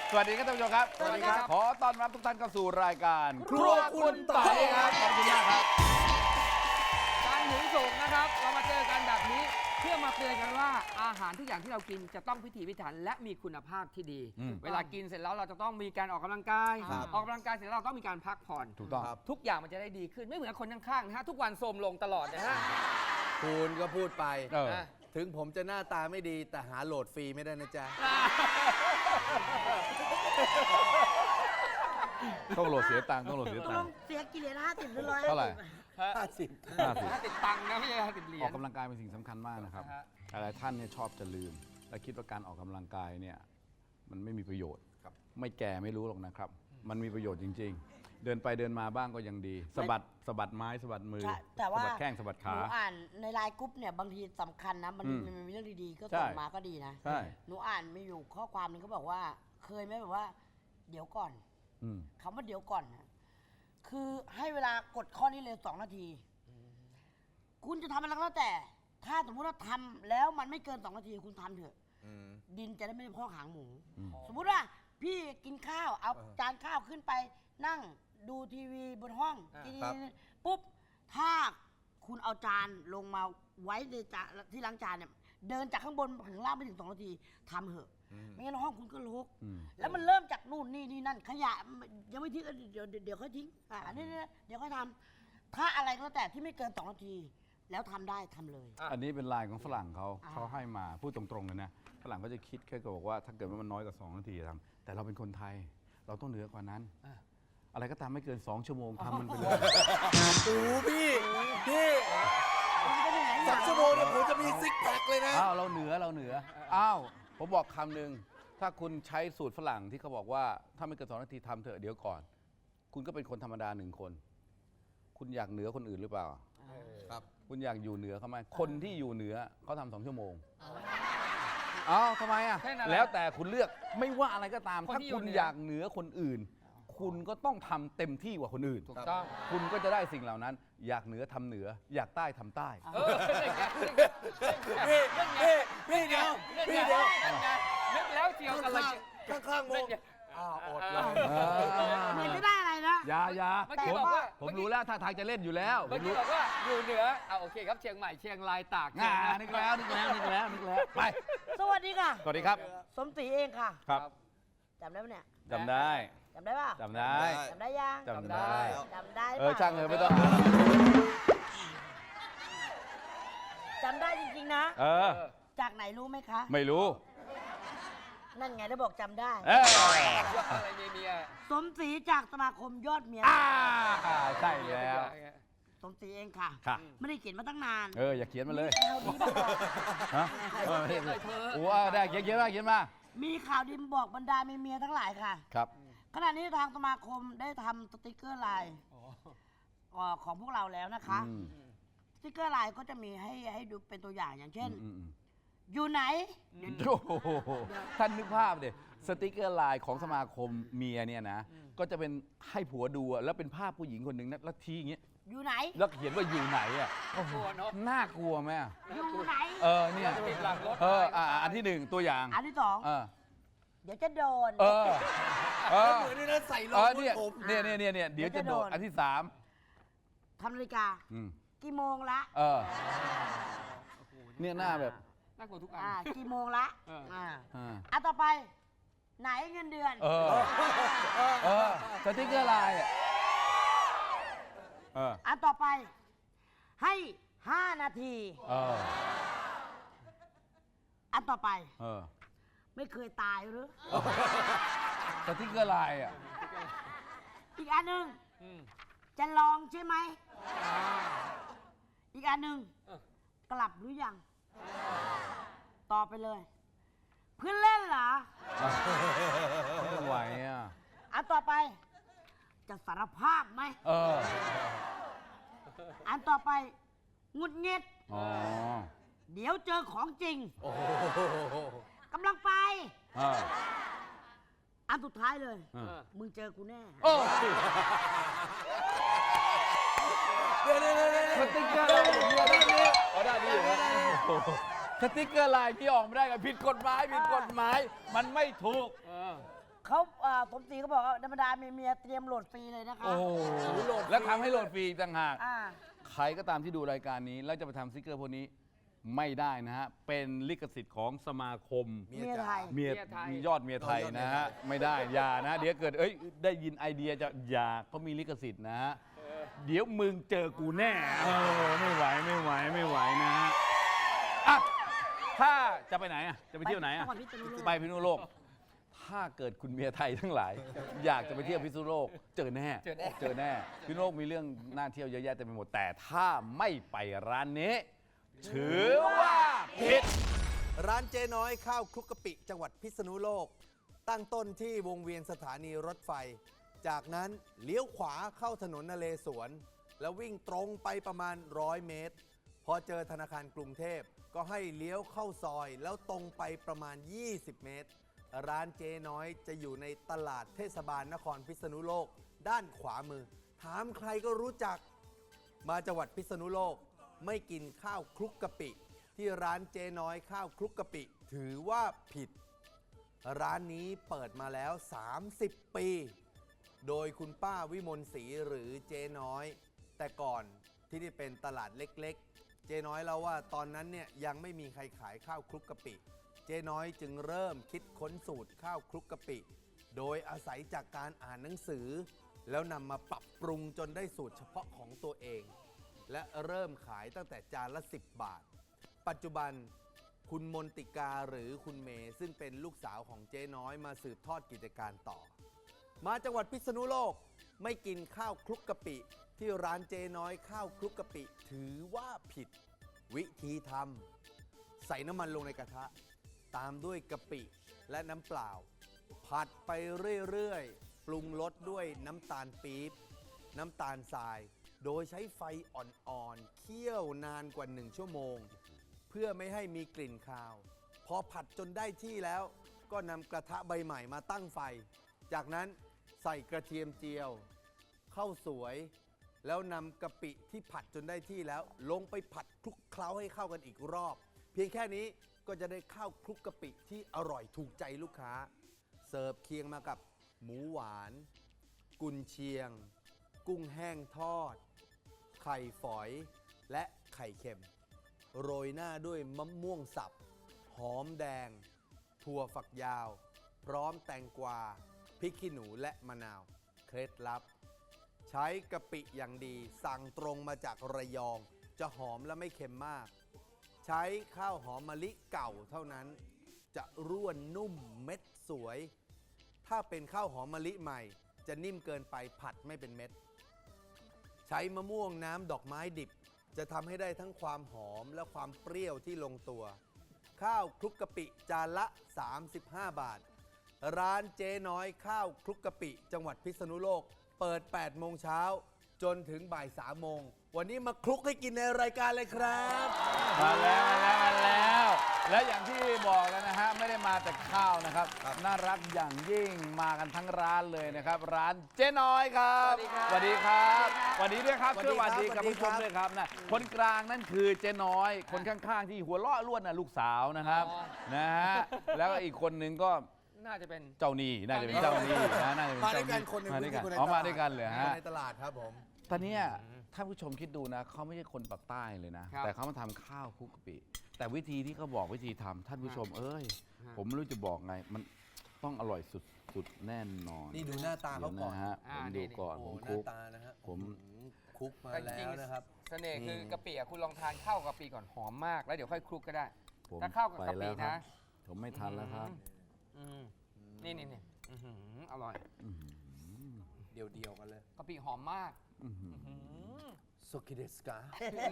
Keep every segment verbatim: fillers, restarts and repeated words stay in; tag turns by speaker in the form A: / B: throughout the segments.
A: สวัสดีครับท่านผู้ชมครับสวัสดีครับขอต้อนรับทุกท่านเข้าสู่รายการ
B: ครัวคุณต่อยครับ
A: ขอบคุณมากครับ
B: การหนุนส่งนะครับเรามาเจอกันแบบนี้เพื่อมาเตือนกันว่าอาหารทุกอย่างที่เรากินจะต้องพิถีพิถันและมีคุณภาพที่ดี
A: อืม
B: เวลากินเสร็จแล้วเราจะต้องมีการออกกำลังกาย
A: ครับ
B: ออกกำลังกายเสร็จแล้วเราต้องมีการพักผ่อน
A: ถูกต้อง
B: ทุกอย่างมันจะได้ดีขึ้นไม่เหมือนคนข้างๆนะฮะทุกวันโทรมลงตลอดนะฮะ
C: คุณก็พูดไป
A: เออ
B: นะ
C: ถึงผมจะหน้าตาไม่ดีแต่หาโหลดฟรีไม่ได้นะจ๊ะ
A: ต้องโหลดเสียตังค์ต้องโหลดเสีย
D: ตก
A: ตั
D: ล
A: ง
D: ง
A: ค์
D: เสียกี่เหรียญห้าสิบหรือร้อย
A: เท่าไหร่
C: ห้าสิบ
A: ห้าสิบ
B: ถ้าติดตังค์นะไม่ใช่ติดเหรีย
A: อ
B: ญ
A: อกกำลังกายเป็นสิ่งสำคัญมากนะครับ
B: ฮะ
A: หลายๆท่านเนี่ยชอบจะลืม และคิดว่าการออกกำลังกายเนี่ยมันไม่มีประโยชน์ไม่แก่ไม่รู้หรอกนะครับ มันมีประโยชน์จริง ๆ เดินไปเดินมาบ้างก็ยังดีสะบัดสะบัดไม้สะบัดมือ
D: ใช่แต่ว่า
A: สะบัดแข้งสะบัด
D: ห
A: ขา
D: นูอ่านในไลน์กรุ๊ปเนี่ยบางทีสำคัญนะมัน
A: อืม
D: มันมีเรื่องดีๆก็
A: ใช่
D: ส่งมาก็ดีนะ
A: ใช่
D: หนูอ่านมีอยู่ข้อความหนึงเขาบอกว่า เคยไหมแบบว่า เดี๋ยวก่อน
A: อืม
D: คำว่าเดี๋ยวก่อนนะคือให้เวลากดข้อนี้เลยสองนาที คุณจะทำอะไรก็แล้วแต่ ถ้าสมมติว่าทำแล้วมันไม่เกินสองนาทีคุณทำเถอะ ดินจะได้ไม่ได้พอกหางหมู
A: อืม
D: สมมุติว่าพี่กินข้าวเอาจานข้าวขึ้นไปนั่งดูทีวีบนห้อง
B: อ่า
D: กิน
C: ครับ
D: ปุ๊บถ้าคุณเอาจานลงมาไว้ในจานที่ล้างจานเนี่ยเดินจากข้างบนถึงล่างไม่ถึงสองนาทีทำเหอะ ไม่งั้นห้องคุณก็รก
A: อืม
D: แล้วมันเริ่มจากนู่นนี่นี่นั่นขยะยังไม่ทิ้งเออเดี๋ยวเดี๋ยวเดี๋ยวค่อยทิ้งอ่าอันนี้เนี่ยเดี๋ยวค่อยทำถ้าอะไรก็แล้วแต่ที่ไม่เกินสองนาที แล้วทำได้ทำเลย
A: อันนี้เป็นลายของฝรั่งเขา
D: อ่า
A: เขาให้มาพูดตรงๆเลยนะฝรั่งเขาจะคิดแค่บอกว่าถ้าเกิดว่ามันน้อยกว่าสองนาทีทำแต่เราเป็นคนไทย เราต้องเหนือกว่านั้น อะไรก็ตามไม่เกินสองชั่วโมงทำมันไปเลย
C: โอ้พี่พี่
D: มันก็เหนื่อยอ
C: สอย่าง มชั่วโมงเนี่ยผมจะมีซิกแพคเลยนะ
A: อ้าวเราเหนือเราเหนืออ้าวผมบอกคำหนึ่งถ้าคุณใช้สูตรฝรั่งที่เขาบอกว่าถ้าไม่เกินสองนาทีทำเถอะเดี๋ยวก่อน คุณก็เป็นคนธรรมดาหนึ่งคน คุณอยากเหนือคนอื่นหรือเปล่า
C: ครับ
A: คุณอยากอยู่เหนือเขาไหมคนที่อยู่เหนือเขาทำสองชั่วโมงอ้าวทำไมอ่ะ
B: แค่นั้นแหละ
A: แล้วแต่คุณเลือกไม่ว่าอะไรก็ตาม
B: คน
A: ถ้า
B: ที่อยู่
A: คุณ
B: เหนือ
A: อ
B: อ
A: ยากเหนือคนอื่น คุณก็ต้องทำเต็มที่กว่าคนอื่น
B: ถูกต้อง
A: คุณก็จะได้สิ่งเหล่านั้น อยากเหนือทำเหนือ อยากใต้ทำใต้
B: เออเป็นไง
C: พี่พี่พี่เดียว
B: เป็น
C: พี่
B: ไง
C: เดียว
B: เป็นไงนึกแล้วเชียวกันเลย
C: ข้างข้างๆมองอ้าวอดเลย
D: เหมือนจะได้อะไรนะ
A: อยาอยา
B: เมื่อกี้
A: ผม
B: บอกว่า
A: ผมรู้แล้วท่าทางจะเล่นอยู่แล้วผ
B: เมื่อ
A: ม
B: กี้
A: รู้
B: บอกว่าอยู่เหนือเอาโอเคครับเชียงใหม่เชียงรายตาก
A: อ่านึกแล้วนึกแล้วนึกแล้วนึกแล้วไป
D: สวัสดีค่ะ
A: สวัสดีครับ
D: สมศรีเองค่ะ
A: ครับ
D: จำได้ปะเนี่ย
A: จำได้
D: จำได้ป่ะ
A: จำได้
D: จำได้ยัง
A: จำได้
D: จำได้
A: เออ
D: ปะ
A: ช่างเถอะไม่ต้อง
D: จำได้จริงๆนะ
A: เออ
D: จากไหนรู้ไหมคะ
A: ไม่รู้
D: นั่นไงได้บอกจำได้
A: เออ
B: อะไรเมียเมีย
D: สมศรีจากสมาคมยอดเมีย
A: อ่าใช่แล้ว
D: สมศรีเองค่ะ
A: ค่ะ
D: ไม่ได้เขียนมาตั้งนาน
A: เอออย่าเขียนมาเลย
D: ข่าวดีมาบอก
A: ฮะเออไม่ได้โอ้ได้เขียนเขียนมาเขียนมา
D: มีข่าวดีมาบอกบรรดาเมียๆทั้งหลายค่ะ
A: ครับ
D: ขณะนี้ทางสมาคมได้ทำสติกเกอร์ไลน์เอ่อของพวกเราแล้วนะคะ
A: อืม
D: สติกเกอร์ไลน์ก็จะมีให้ให้ดูเป็นตัวอย่างอย่างเช่น
A: อืมอืม
D: อยู่ไหน
A: โอ้โหท่านนึกภาพดิสติกเกอร์ไลน์ของสมาคมเมียเนี่ยนะ ก็จะเป็นให้ผัวดูอะแล้วเป็นภาพผู้หญิงคนหนึ่งนะแล้วทีอย่างเงี้ย
D: อยู่ไหน
A: แล้วเขียนว่าอยู่ไหนอ่ะ
B: กลัวเนาะ
A: น่ากลัวไหมอะ
D: อยู่ไหน
A: เออเนี่ย
B: ติดหลังรถ
A: เอออ่ะอันที่หนึ่งตัวอย่าง
D: อันที่สอง
A: เออ
D: เดี๋ยวจะโดน
A: เออเออ
C: เหมือนนี่นะใส่ร
A: เอ
C: อง
A: อเนี่ย
C: ผม
A: เนี่ยเนี่ยเนี่ยเนี่ยเดี๋ยวจะโดดอันที่สาม
D: ทำนาฬิกา
A: อืม
D: กี่โมงละ
A: เออเนี่ยหน้าแบบ
B: น่ากลัวทุกอัน
D: อ่ากี่โมงละ
B: เออ
D: อ่า
A: อ่า
D: อันต่อไป ไหนเงินเดือน
A: เออเออสติกเกอร์ไลน์อ่ะเออ
D: อันต่อไป ให้ห้านาที
A: เออ
D: อันต่อไป
A: เออ
D: ไม่เคยตายหรือ
A: สติกเกอร์ไลน์อ่ะ
D: อีกอันหนึ่ง
B: อืม
D: จะลองใช่ไหม อีกอันหนึ่ง
B: เออ
D: กลับหรือยัง ต่อไปเลย เพื่อนเล่นเหรอ
A: ไม่ไหวอ่ะ
D: อันต่อไป จะสารภาพไหม
A: เออ
D: อันต่อไปหงุดหงิด
A: อ๋อ
D: เดี๋ยวเจอของจริง
C: โอ้โห
D: กำลังไป
A: เออ
D: อันสุดท้ายเลย
A: เออ
D: มึงเจอกูแน่
A: โอ้
C: เดี๋ยวเดี๋ยวเดี๋ยวเดี๋ยว
A: สติกเกอร์ไลน์เมียด้านนี้อ๋อด้านนี้อยู่นะโอ้โหสติกเกอร์ไลน์ที่ออกไม่ได้กันผิดกฎหมายผิดกฎหมาย มันไม่ถูก
B: เออ
D: เขาอ่าสมศรีเขาบอกว่าธรรมดามีเมียเตรียมโหลดฟรีเลยนะคะ
A: โอ้โหแล้วทำให้โหลดฟรีอีกต่างหาก
D: อ่า
A: ใครก็ตามที่ดูรายการนี้ แล้วจะไปทำสติกเกอร์พวกนี้ไม่ได้นะฮะ เป็นลิขสิทธิ์ของสมาคม
C: เมี
D: เมีย
C: จ๋า
D: ไทย
A: เมีย
B: เมียไทย
A: ยอดเมียไทยนะฮะ ไม่ได้อย่านะ เดี๋ยวเกิดเอ้ยได้ยินไอเดียจะอย่าเขามีลิขสิทธิ์นะฮะ เดี๋ยวมึงเจอกูแน่เออไม่ไหวไม่ไหวไม่ไหวนะฮะอ่ะถ้าจะไปไหนอ่ะจะไปเที่ยวไหนอ่ะ
D: จังหวัดพิษณุโลก
A: ไปพิษณุโลก ถ้าเกิดคุณเมียไทยทั้งหลาย อยากจะไปเที่ยวพิษณุโลก เจอแน่
B: เจอแน่
A: เจอแน่พิษณุโลกมีเรื่องน่าเที่ยวเยอะแยะเต็มไปหมดแต่ถ้าไม่ไปร้านนี้ ถือว่าผิด
C: ร้านเจ๊น้อยข้าวคลุกกะปิจังหวัดพิษณุโลก ตั้งต้นที่วงเวียนสถานีรถไฟ จากนั้นเลี้ยวขวาเข้าถนนนเรศวร แล้ววิ่งตรงไปประมาณร้อยเมตร พอเจอธนาคารกรุงเทพก็ให้เลี้ยวเข้าซอย แล้วตรงไปประมาณ ยี่สิบ เมตร ร้านเจ๊น้อยจะอยู่ในตลาดเทศบาลนครพิษณุโลก ด้านขวามือ ถามใครก็รู้จัก มาจังหวัดพิษณุโลกไม่กินข้าวคลุกกะปิ ที่ร้านเจ๊น้อยข้าวคลุกกะปิ ถือว่าผิด ร้านนี้เปิดมาแล้ว สามสิบ ปี โดยคุณป้าวิมลศรีหรือเจ๊น้อย แต่ก่อนที่นี่เป็นตลาดเล็กๆ เจ๊น้อยเล่าว่าตอนนั้นเนี่ยยังไม่มีใครขายข้าวคลุกกะปิ เจ๊น้อยจึงเริ่มคิดค้นสูตรข้าวคลุกกะปิ โดยอาศัยจากการอ่านหนังสือ แล้วนำมาปรับปรุงจนได้สูตรเฉพาะของตัวเอง และเริ่มขายตั้งแต่จานละ สิบบาท ปัจจุบันคุณมนติกาหรือคุณเมย์ซึ่งเป็นลูกสาวของเจ๊น้อยมาสืบทอดกิจการต่อ มาจังหวัดพิษณุโลกไม่กินข้าวคลุกกะปิ ที่ร้านเจ๊น้อยข้าวคลุกกะปิ ถือว่าผิด วิธีทำใส่น้ำมันลงในกระทะ ตามด้วยกะปิและน้ำเปล่า ผัดไปเรื่อยๆ ปรุงรสด้วยน้ำตาลปี๊บน้ำตาลทราย โดยใช้ไฟอ่อนๆ เคี่ยวนานกว่าหนึ่งชั่วโมง เพื่อไม่ให้มีกลิ่นคาว พอผัดจนได้ที่แล้ว ก็นำกระทะใบใหม่มาตั้งไฟ จากนั้นใส่กระเทียมเจียวข้าวสวย แล้วนำกะปิที่ผัดจนได้ที่แล้ว ลงไปผัดคลุกเคล้าให้เข้ากันอีกรอบ เพียงแค่นี้ก็จะได้ข้าวคลุกกะปิที่อร่อยถูกใจลูกค้า เสิร์ฟเคียงมากับหมูหวาน กุนเชียง กุ้งแห้งทอด ไข่ฝอย และไข่เค็ม โรยหน้าด้วยมะม่วงสับ หอมแดง ถั่วฝักยาว พร้อมแตงกวา พริกขี้หนูและมะนาว เคล็ดลับ ใช้กะปิอย่างดี สั่งตรงมาจากระยอง จะหอมและไม่เค็มมาก ใช้ข้าวหอมมะลิเก่าเท่านั้น จะร่วนนุ่มเม็ดสวย ถ้าเป็นข้าวหอมมะลิใหม่ จะนิ่มเกินไปผัดไม่เป็นเม็ด ใช้มะม่วงน้ำดอกไม้ดิบ จะทำให้ได้ทั้งความหอมและความเปรี้ยวที่ลงตัว ข้าวคลุกกะปิจานละ สามสิบห้า บาท ร้านเจ๊น้อยข้าวคลุกกะปิ จังหวัดพิษณุโลก เปิด แปด โมงเช้า จนถึงบ่าย สาม โมง วันนี้มาคลุกให้กินในรายการเลยครับ
A: มาแล้วมาแล้วมาแล้ว และอย่างที่บอกแล้วนะฮะไม่ได้มาแต่ข้าวนะครับ น่ารักอย่างยิ่งมากันทั้งร้านเลยนะครับ ร้านเจ๊น้อยครับสวัสดีครับสวัสดีด้วยครับ
C: สวัส
A: ช่
C: ดี
A: วย
C: ค
A: ส
C: รับ
A: วัสดีกับ
C: สวัสดี
A: ผู้ชม
C: ครับ
A: ด้วยครับนะคนกลางนั่นคือเจ๊น้อย คนข้างๆที่หัวเราะล้วนน่ะลูกสาวนะครับนะฮะแล้วก็อีกคนนึงก็
B: น่าจะเป็น
A: เจ้าหนี้น่าจะเป็นเจ้าหนี้นะน่าจะเป็น
C: มาด้
A: เจ้า
C: วย
A: ห
C: กัน
A: นี้
C: คนหนึ่ง
A: มาด้วยกัน
C: คนใน
A: อ๋อ
C: ตลา
A: มา
C: ด
A: ด้วยกันเลย
C: ค
A: ฮะ
C: นในตลาดครับผม
A: ตอนเนี้ยท่านผู้ชมคิดดูนะเขาไม่ใช่คนปากใต้เลยนะ
B: ครับ
A: แต่เขามาทำข้าวคลุกกะปิ แต่วิธีที่เขาบอกวิธีทำท่านผู้ชมเอ้ย
B: ฮะ
A: ผมไม่รู้จะบอกไง มันต้องอร่อยสุดสุดแน่นอน
C: นี่ดูหน้าตาเขาก่อน
A: ดี๋ยวนะฮะ
B: อ่า
A: ผม
B: นี่
A: ดูก่อน
C: โอ้
A: ผม
C: ห
A: คลุ
C: น้าก ตานะฮะ
A: ผม
C: อื้อหือคลุกมา
B: แต่จ
C: แล้
B: ริง
C: วนะครับ
B: เสน่ห์คือ
C: นี่
B: กะปิอะคุณลองทานข้าวกับกะปิก่อนหอมมาก แล้วเดี๋ยวค่อยคลุกก็ได้
A: ผม
B: ถ้าเข้ากับ
A: ไป
B: กะปิ
A: แล้วครั
B: นะ
A: บผมไม่ทันแล้วครับ
B: อืมนี่นี่นี่อื้อหืออร่อย
A: อื้อหือ
C: เดียวๆกันเลย
B: กะปิหอมมาก
A: อื้อหือ
B: อื้อหือ
C: โซคิเดสกา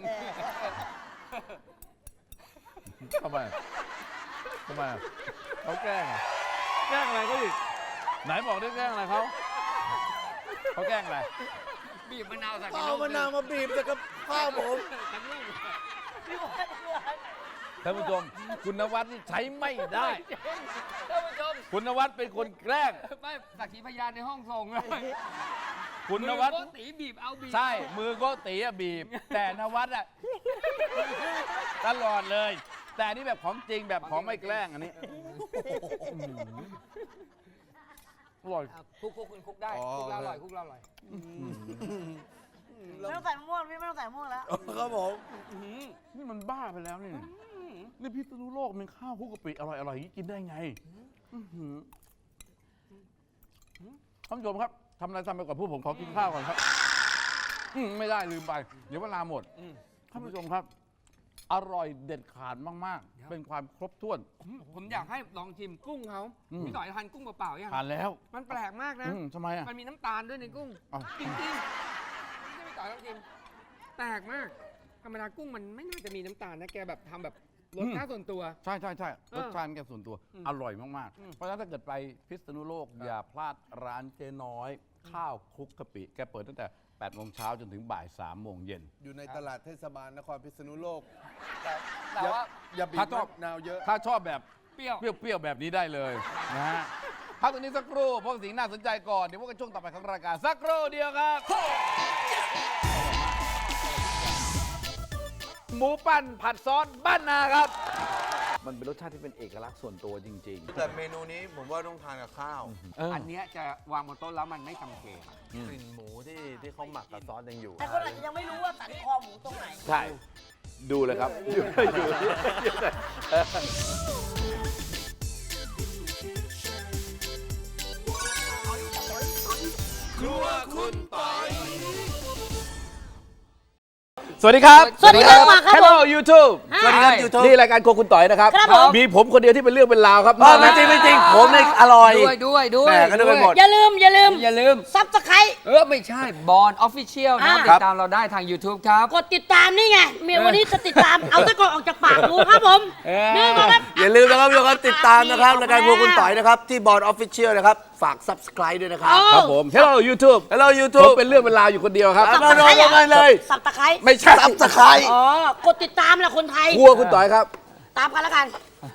A: ทำไมทำไมเขาแกล้งอะแกล้งอะไรเขาอีกไหนบอกได้แกล้งอะไรเขาเขาแกล้งอะไร
B: บีบมะนาวใส่
C: ก็เอามะนาวมาบีบจากกับข้าวผม
B: ทั้งลูก
A: ท่านผู้ชมคุณนวัดนี่ใช้ไม่ได้
B: ท่านผู้ชม
A: คุณนวัดเป็นคนแกล้ง
B: ไม่สักขีพยานในห้องส่งเลย
A: คุณนวัด
B: มือโกตีบีบเอาบีบ
A: ใช่ มือโก็ตีอะบีบ แต่นวัดอะตลอดเลย แต่อันนี่แบบของจริงแบบของไม่แกล้งอันนี้อร่อย
B: อ่ะคลุกคลุกคุณคลุกได้
C: อ๋อ
B: คลุกแล้วอร่อยคลุกแล้วอร่อย
D: ไม่ต้องใส่มะม่วงพี่ไม่ต้องใส่มะม่วงแล้ว
C: ครับผม
A: นี่มันบ้าไปแล้วนี่นี่พิษณุโลกมันข้าวคลุกกะปิอร่อยอร่อยอย่างนี้กินได้ไงอื้อหือท่านผู้ชมครับทำอะไรทำไปก่อนพูดผมขอกินข้าวก่อนครับอืมไม่ได้ลืมไป เดี๋ยวเวลาหมดท่านผู้ชมครับ อร่อยเด็ดขาดมาก ๆ เป็นความครบถ้วน
B: ผมผมอยากให้ลองชิมกุ้งเขา
A: อืม
B: พี่ต่อยทานกุ้งเปล่าๆยัง
A: ทานแล้ว
B: มันแปลกมากนะ
A: อืมทำไมอ่ะ
B: มันมีน้ำตาลด้วยในกุ้ง
A: อ้าว
B: จริงๆไม่ใช่พี่ต่อยลองชิมแปลกมากธรรมดากุ้งมันไม่น่าจะมีน้ำตาลนะแกแบบทำแบบรสชาติส่วนตัว
A: ใช่ใช่ใช่
B: เออ
A: รสชาติแกส่วนตัว
B: อืม
A: อร่อยมาก
B: อืม
A: ๆ เพราะฉะนั้นถ้าเกิดไปพิษณุโลก อย่าพลาดร้านเจ๊น้อย ข้าวคลุกกะปิ แกเปิดตั้งแต่แปดโมงเช้าจนถึงบ่ายสามโมงเย็น
C: อยู่ในตลาดเทศบาลนครพิษณุโลก
B: แต่ว่า
C: อย่าบีบ
A: ถ้าชอบ
C: มะนาวเยอะ
A: ถ้าชอบแบบ
B: เปรี้ยว
A: เปรี้ยว ๆ แบบนี้ได้เลยนะฮะพักตรงนี้สักครู่เพราะสิ่งน่าสนใจก่อน เดี๋ยวพบกันช่วงต่อไปของรายการสักครู่เดียวครับ หมูปั้นผัดซอสบ้านนาครับ มันเป็นรสชาติที่เป็นเอกลักษณ์ส่วนตัวจริง
C: แต่เมนูนี้ผมว่าต้องทานกับข้าว
A: ๆเออ
B: อันเนี้ยจะวางบนโต๊ะแล้วมันไม่จำเจ
C: กลิ่นหมูที่ที่เขาหมักกับซอสยังอยู่
D: แต่คนอาจจะยังไม่รู้ว่าสันคอหมูตรงไหน
A: ใช่ ดูเลยครับ อยู่อยู่ครัวคุณปอยสวัสดีครับ
D: สวัสดีครับมาครับ
A: Hello YouTube
D: สวัสดีครับ
A: YouTube นี่รายการโครัวคุณต่อยนะครับ
D: ครับผม
A: มีผมคนเดียวที่เป็นเรื่องเป็นราวครับ
C: ไม่จริงไม่จริงผมเนี่ยอร่อย
B: ด้วยด้วยด้วย
C: แหม่ก็นึกไปหมด
D: อย่าลืมอย่าลืม
B: อย่าลืม
D: ซับสไคร
B: เออ ไม่ใช่บอลออฟฟิเชียลนะครับ
D: อ่า
B: ติดตามเราได้ทาง YouTube ครับ
D: กดติดตามนี่ไงเมียวันนี้จะติดตาม เอาตะกอนออกจากปากดูครับผม
B: เออ
D: นี่มาครับ
C: อย่าลืมนะครับทุกคนติดตามนะครับรายการพวกคุณต่อยนะครับ ที่บอร์ดออฟฟิเชียลนะครับ ฝาก subscribe ด้วยนะครับ
D: เอา
A: ครับผม Hello YouTube
C: Hello
A: ผม
C: YouTube
A: เป็นเรื่องเป็นราวอยู่คนเดียวครับ
C: มาโดนกันเลย
D: สับตะไคร้
A: ไม่ใช่
C: subscribe
D: อ๋อกดติดตามแหละคนไทย
A: ครัวคุณต่อยครับ
D: ตามกันแล้วกัน